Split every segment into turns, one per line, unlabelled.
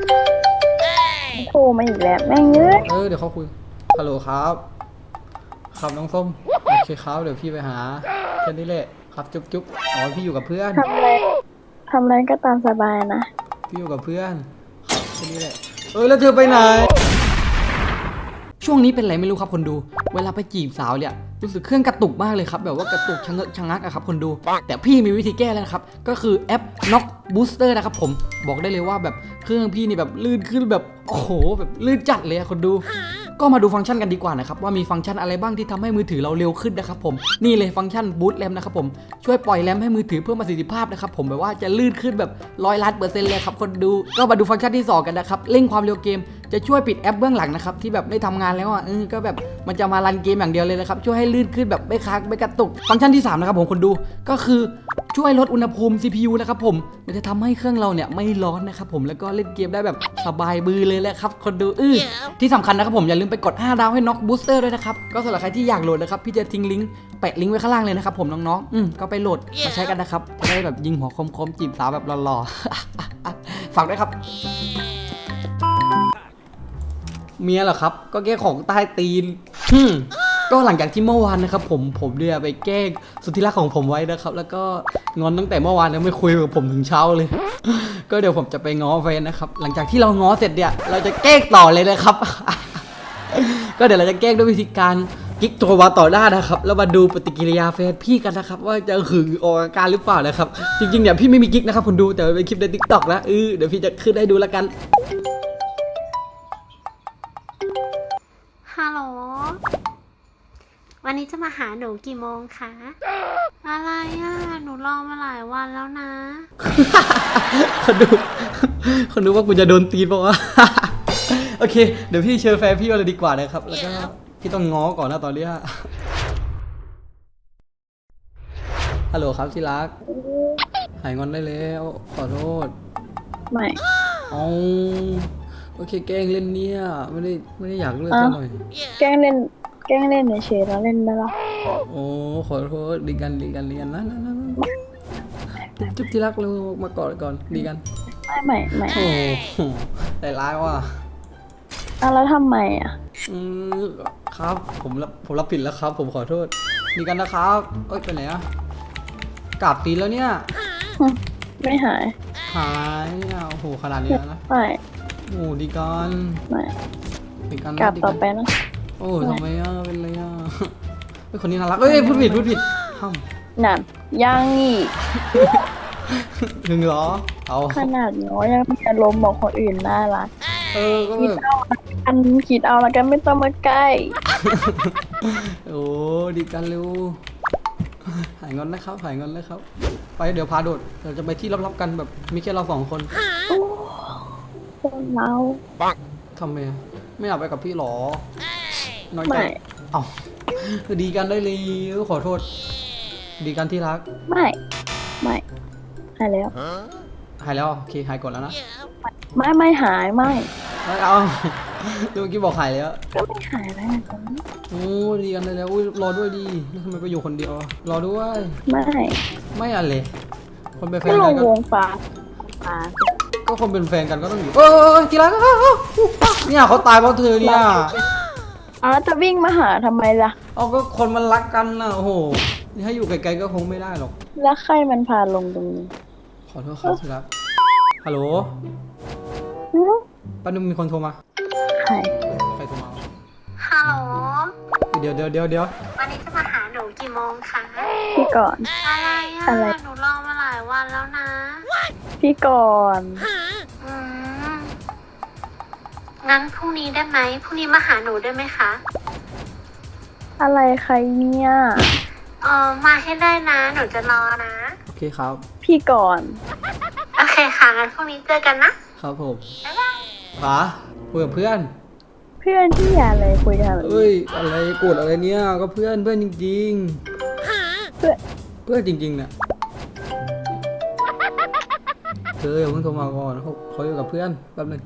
โทรมาอีกแล้วแม่งเอ้ย
เดี๋ยวเขาคุยฮัลโหลครับครับน้องส้มโอเคครับเดี๋ยวพี่ไปหาแค่นี้แหละครับจุ๊บจุ๊บอ๋อพี่อยู่กับเพื่อน
ทำอะไรก็ตามสบายนะ
พี่อยู่กับเพื่อนครับแค่นี้แหละแล้วเธอไปไหนช่วงนี้เป็นไรไม่รู้ครับคนดูเวลาไปจีบสาวเนี่ยรู้สึกเครื่องกระตุกมากเลยครับแบบว่ากระตุกชะเงอะชะงักอะครับคนดูแต่พี่มีวิธีแก้แล้วนะครับก็คือแอป Knock Booster นะครับผมบอกได้เลยว่าแบบเครื่องพี่นี่แบบลื่นขึ้นแบบโอ้โหแบบลื่นจัดเลยอะคนดูก็มาดูฟังก์ชันกันดีกว่านะครับว่ามีฟังก์ชันอะไรบ้างที่ทำให้มือถือเราเร็วขึ้นนะครับผมนี่เลยฟังก์ชัน Boost RAM นะครับผมช่วยปล่อยแรมให้มือถือเพิ่มประสิทธิภาพนะครับผมแบบว่าจะลื่นขึ้นแบบ100%เลยครับคนดูก็มาดูฟังก์ชันที่2กันนะครับเร่งความเร็วเกมจะช่วยปิดแอปเบื้องหลังนะครับที่แบบไม่ทำงานแล้วก็แบบมันจะมารันเกมอย่างเดียวเลยนะครับช่วยให้ลื่นขึ้นแบบไม่ค้างไม่กระตุกฟังก์ชันที่3นะครับผมคนดูก็คือช่วยลดอุณหภูมิ CPU นะครับผมมันจะทำให้เครื่องเราเนี่ยไม่ร้อนนะครับผมแล้วก็เล่นเกมได้แบบสบายมือเลยแหละครับคนดูที่สำคัญนะครับผมอย่าลืมไปกด5 ดาวให้ Knock Booster ด้วยนะครับก็สำหรับใครที่อยากโหลดนะครับพี่จะทิ้งลิงก์แปะลิงก์ไว้ข้างล่างเลยนะครับผมน้องๆก็ไปโหลดมาใช้กันนะครับจะได้แบบยิงหัวคมๆจีบสาวแบบหล่อๆฝากด้วยครับเมียเหรอครับก็แก้ของใต้ตีนก็หลังจากที่เมื่อวานนะครับผมเนี่ยไปแกล้งสุดที่รักของผมไว้นะครับแล้วก็งอนตั้งแต่เมื่อวานแล้วไม่คุยกับผมถึงเช้าเลยก็เดี๋ยวผมจะไปง้อแฟนนะครับหลังจากที่เราง้อเสร็จเนี่ยเราจะแกล้งต่อเลยนะครับ ก็เดี๋ยวเราจะแกล้งด้วยวิธีการกิ๊กโทรมาต่อหน้านะครับแล้วมาดูปฏิกิริยาแฟนพี่กันนะครับว่าจะหึงออกอาการหรือเปล่านะครับจริงๆเนี่ยพี่ไม่มีกิ๊กนะครับคุณดูแต่เป็นคลิปใน TikTok นะเดี๋ยวพี่จะขึ้นให้ดูแล้วกัน
ฮัลโหล วันนี้จะมาหาหนูกี่โมงคะ อะไรหนูรอมาหลายวันแล้วนะ
คนดูว่ากูจะโดนตีนป่าวะ โอเคเดี๋ยวพี่เชิญแฟนพี่มาเลยดีกว่านะครับแล้วก็พี่ต้องง้อก่อนนะตอนนี้ฮัลโหลครับที่รักหายงอนได้แล้วขอโทษ
ไม่
เอาโอเคแกล้งเล่นเนี่ยไม่ได้อยากเลิกซะหน่อย
แกล้งเล่นเฉยๆแล้วเล่นได้ละ
โอ้ขอโทษดีกันนะจุ๊บที่รักเรามากอดก่อนดีกัน
ไม่
โอ้แต่ร้ายว่ะ
แล้วทำไม
ครับผมรับผิดแล้วครับผมขอโทษดีกันนะครับไปไหนกราบตีนแล้วเนี่ย
ไม่หาย
เนี่ยโอ้โหขนาดนี้แล้วนะ
ไม่
โอ้ดีกัน
ไม่
ดีกัน
กราบต่อไปนะ
โอ้ทำไมเป็นไรคนนี้น่ารักพูดผิดห้าม
นั่นยังอีก
ถึงเหรอเอา
ขนาดน้อยยังมีอารมณ์บอกคนอื่นน่ารัก
ก็แบบ
คิดเอาแล้วกันไม่ต้องมาใกล้
โอ้ดีกันเร็วหายงอนนะครับไปเดี๋ยวพาโดดเราจะไปที่ลับๆกันแบบมีแค่เรา2 คน
เรา
ทำไมไม่อยากไปกับพี่หรอน้อยใจเอาดีกันได้เลยขอโทษดีกันที่รัก
ไม่หายแล้ว
โอเคหายก่อนแล้วนะ
ไม่หายไม่
เอาเมื่อกี้บอกหายแล้ว
ก็ไม่หายแล้ว
โอ้ดีกันได้แล้วรอด้วยดีทำไมไปอยู่คนเดียวรอด้วยไม่อะไรคนเป็นแฟนกัน
ก็วงฟ้า
ก็คนเป็นแฟนกันก็ต้องอยู่กีฬาเนี่ยเขาตายเพราะเธอเนี่ย
แล้วจะวิ่งมาหาทำไมล่ะ
ก็คนมันรักกันนะโอ้โหถ้าอยู่ไกลๆก็คงไม่ได้หรอก
แล้วใครมันพาลงตรงนี้
ขอโทษครับที่รักฮัลโหลป้านุ่มมีคนโทรมาใครโทรมา
ฮัลโหล
เดี๋ยว
วันนี้จะมาหาหนูกี่โมงคะ
พี่ก่อน
อะไรหนูรอมาหลายวันแล้วนะ
พี่ก่อน
งั้นพรุ่งนี้ได้ไหมพรุ่งนี้มาหาหนูได้ไหมคะ
อะไรใครเนี่ย
มาให้ได้นะหนูจะรอนะ
โอเคครับ
พี่ก่อน
โอเคค่ะงั้นพรุ่งนี้เจอกันนะครับ
ผมป๋าคุยกับเพื่อน
ที่อะไรคุยกัน
อะไรโกรธอะไรเนี่ยก็เพื่อนจริงๆเพื่อนจริงๆเนี่ยเธออย่าเพิ่งโทรมาก่อนเขาอยู่กับเพื่อนแป๊บนึง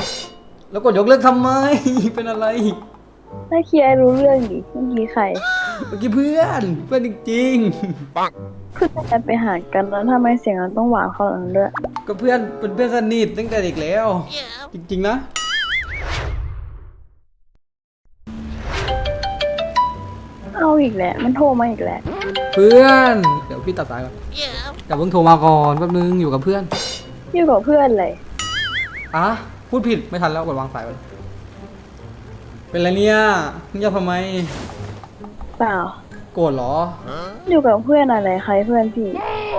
แล้วกดยกเลิกทำไมเป็นอะไร
ถ้าเคลียร์รู้เรื่องดิเมื่อกี้ใคร
เมื่อกี้เพื่อนจริง
เพื่อนไปหากันแล้วทำไมเสียงมันต้องหวานขนาดนั้นด้วย
ๆก็เพื่อนเป็นเพื่อนสนิทตั้งแต่เด็กแล้ว จริงๆนะ
เอาอีกแหละมันโทรมาอีกแหละ
เพื่อนเดี๋ยวพี่ตัดสายก่อนแต่เพิ่งโทรมาก่อนแป๊บนึงอยู่กับเพื่อน
อยู่กับเพื่อนเลย
อ่ะพูดผิดไม่ทันแล้วกดวางสายไปเป็นไรเนี่ยเงียบทำไม
เปล่า
โกรธเหรอ
อยู่กับเพื่อนอะไรใครเพื่อนพี่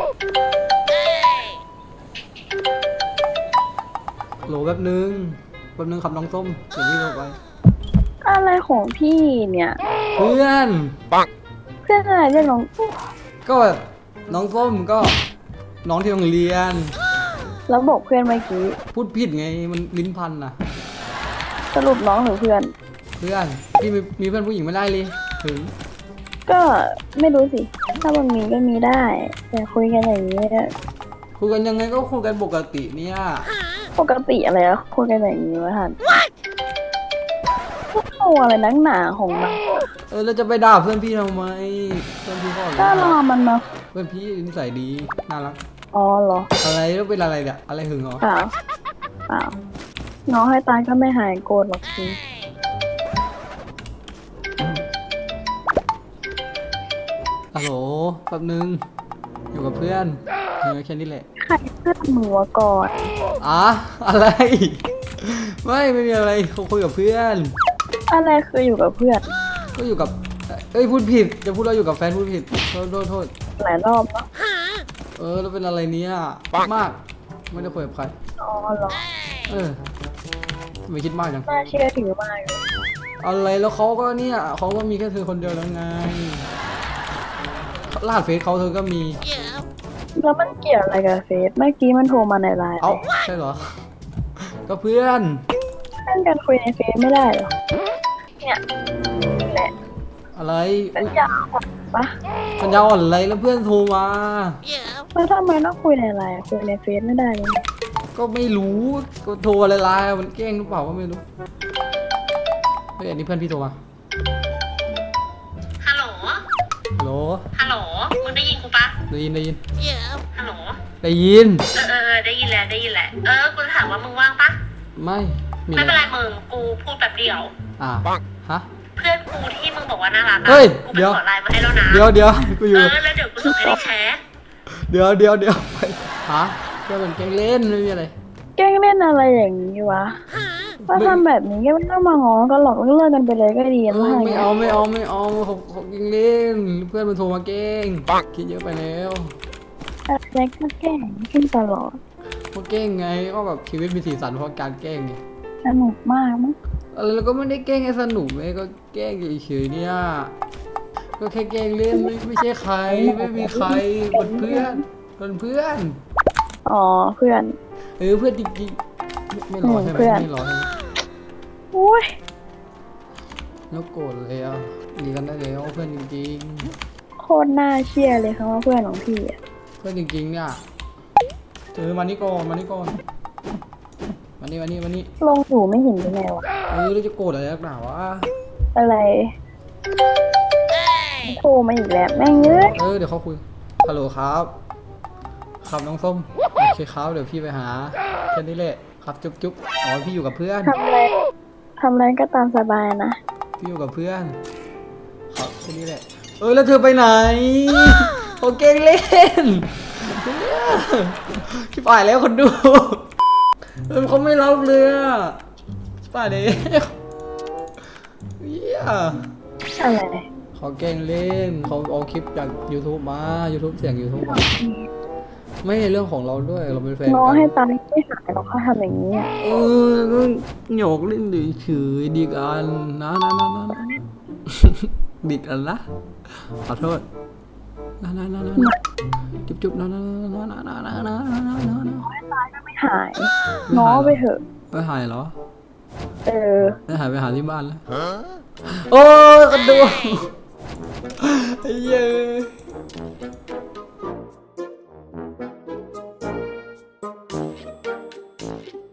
โหลแป๊บนึงขับน้องส้มเดี๋ยวพี่โทรไป
อะไรของพี่เนี่ย
เพื่อน
เพื่อนอะไรเรียกน้อง
ก็แบบน้องส้มก็น้องที่โรงเรียน
แล้วบอกเพื่อนเมื่อกี้
พูดผิดไงมันลิ้นพันนะ
สรุปน้องหรือเพื่อน
เพื่อนพี่มีเพื่อนผู้หญิงไม่ได้เลยถึง
ก็ไม่รู้สิ ถ้ามันมีก็มีได้ แต่คุยกันอย่างนี้เนี่ย
คุยกันยังไงก็คุยกันปกติเนี่ย
ปกติอะไรอะคุยกันอย่างนี้วะท่านเอาอะไรนักหนาของมัน
แล้วจะไปด่าเพื่อนพี่ทำไมเพื่อนพี่ก็
ก็รอมันมา
เพื่อนพี่นิสัยดีน่ารัก
อ๋อเหรอ
อะไรแล้วเป็นอะไรเนี่ยอะไรหึงเหรอ
เปล่าเปล่าน้องให้ตายก็ไม่หายโกรธหรอกพี่
ฮัลโหลแป๊บนึงอยู่กับเพื่อนแค่นี้แหละ
ใครเพื่อนหนูวะก่อน
อะไร ไม่มีอะไรเขาคุยกับเพื่อน
อะไรคืออยู่กับเพื่อน
ก็อยู่กับพูดผิดจะพูดว่าอยู่กับแฟนพูดผิดโทษ
หลายรอบแล้ว
แล้วเป็นอะไรเนี่ยมากไม่ได้คุยกับใคร
อ๋อเหรอ
ไม่คิดมากจัง
น่าเชื่อถือมากเลย
อะไรแล้วเขาก็เนี่ยเขาก็มีแค่เธอคนเดียวแล้วไงรหัสเฟซเขาเธอก็มี
แล้วมันเกี่ยวอะไรกับเฟซเมื่อกี้มันโทรมาในไลน์
เอ้าใช่เหรอ ก็เพื่อน
เพื่อนกันคุยในเฟซไม่ได้เหรอเนี่ยนี่แหละ
อะไร
สัญญาอ่อนปะ
สัญญาอ่อนอะไรแล้วเพื่อนโทรมา
แล้วทำไมต้องคุยในไลน์คุยในเฟซไม่ได้เลย
ก็ไม่รู้ก็โทรอะไรไลน์มันแกล้งหรือเปล่าก็ไม่รู้เฮ้ยอันนี้เพื่อนพี่โทรมา
ฮัลโหล
ฮัลโหล
ฮัลโหล มึงได้ยินกูปะ
ได้ยิน
ฮัลโหล
ได้ยิน
ได้ยินแล้วกูจะถามว่ามึงว่างปะ
ไม่มี
ไม่
อะ
เป็น
ไร
ไรมึง กูพูดแบบเดียว
ฮะ
เพื่อนกูที่มึงบอกว่าน่ารักอะ
เฮ้ย
กู
เดี๋
ไป
ยว
ขอไลน์มาให้แล้วนะ
เดี๋ยวกูอยู่
แล้วเดี๋ยวกูส่งให้ในแชท
เดี๋ยวไปฮะก็เป็นแกล้งเล่นไม่มีอะไร
แกล้งเล่นอะไรอย่างนี้วะถ้าทำแบบนี้ก็ไม่ต้องมาง้อกันหรอกเลิกกันไปเลยก็ดีนะ
ไม่เอาเขาแกล้งเล่นเพื่อนมันโทรมาแกล้งคิดเยอะไปแล้ว
อะไรก็แกล้งขึ้นตลอด
เขาแกล้งไงก็แบบชีวิตมีสีสันเพราะการแกล้งไง
สนุกมากมั้ง
อะไรเราก็ไม่ได้แกล้งให้สนุกเลยก็แกล้งเฉยๆเนี่ยก็แค่แกล้งเล่นไม่ใช่ใครไม่มีใครเป็นเพื่อน
อ๋อเพื่อน
เพื่อนจริงๆไม่รอใช่ไหม
เพื่อน
ไม่รอใช่ไหม
อุ้ย
แล้วโกรธเลยอ่ะดีกันได้แล้วเพื่อนจริง
โคตรน่าเชื่อเลยคำว่าเพื่อนของพี่อะ
ๆเพื่อนจริงๆเนี่ยมานี่ก่อนมานี่
ลงอยู่ไม่เห็นยังไงวะ
เราจะโกรธอะไรนักหนาวะ
อะไรโทรมาอีกแล้วแม่งเอ้ย
เดี๋ยวเขาคุยฮัลโหลครับน้องส้มโอเคครับเดี๋ยวพี่ไปหาแค่นี้แหละครับจุ๊บพี่อยู่กับเพื่อน
ทำอะไรก็ตามสบายนะ
พี่อยู่กับเพื่อนครับแค่นี้แหละแล้วเธอไปไหนเขาเก่งเล่นชิบหายแล้วคนดูเขาไม่รับเลยอ่ะชิบหายเลย
อะไร
เขาแกล้งเล่นเขาเอาคลิปจาก YouTube มา YouTube เสียง YouTube มาไม่ใช่เรื่องของเราด้วยเราเป็นแฟน
น้อง
กั
ให้
น
ตายไม่หายหรอกเขาทำอย่างนี้อะ
ก็หยอกเล่นเฉยๆดีกันนะดีกันนะขอโทษนะจุ๊บนะ
ไม่หายง้อไปเถอะ
ไม่หายเหรอ ไม่หายไปหาที่บ้านแล้วโอ้ยกันดูไอ้เย้ย